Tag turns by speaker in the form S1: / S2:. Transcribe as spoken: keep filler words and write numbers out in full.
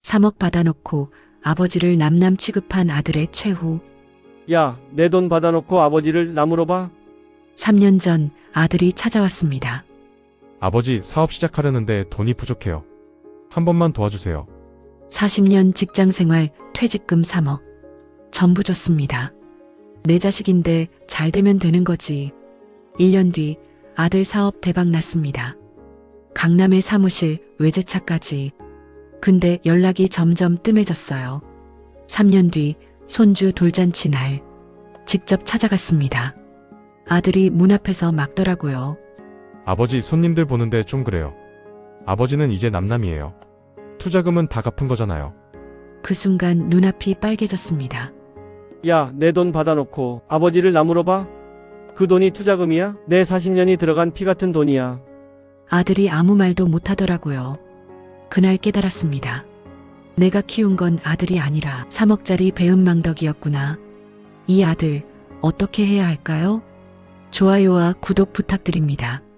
S1: 삼억 받아놓고 아버지를 남남 취급한 아들의 최후.
S2: 야, 내 돈 받아놓고 아버지를 남으로 봐?
S1: 삼 년 전 아들이 찾아왔습니다.
S3: 아버지, 사업 시작하려는데 돈이 부족해요. 한 번만 도와주세요.
S1: 사십 년 직장생활 퇴직금 삼억. 전부 줬습니다. 내 자식인데 잘 되면 되는 거지. 일 년 뒤 아들 사업 대박 났습니다. 강남의 사무실, 외제차까지. 근데 연락이 점점 뜸해졌어요. 삼 년 뒤 손주 돌잔치 날 직접 찾아갔습니다. 아들이 문 앞에서 막더라고요.
S3: 아버지, 손님들 보는데 좀 그래요. 아버지는 이제 남남이에요. 투자금은 다 갚은 거잖아요.
S1: 그 순간 눈앞이 빨개졌습니다.
S2: 야, 내 돈 받아놓고 아버지를 남으로 봐? 그 돈이 투자금이야? 내 사십 년이 들어간 피 같은 돈이야.
S1: 아들이 아무 말도 못하더라고요. 그날 깨달았습니다. 내가 키운 건 아들이 아니라 삼억짜리 배은망덕이었구나. 이 아들 어떻게 해야 할까요? 좋아요와 구독 부탁드립니다.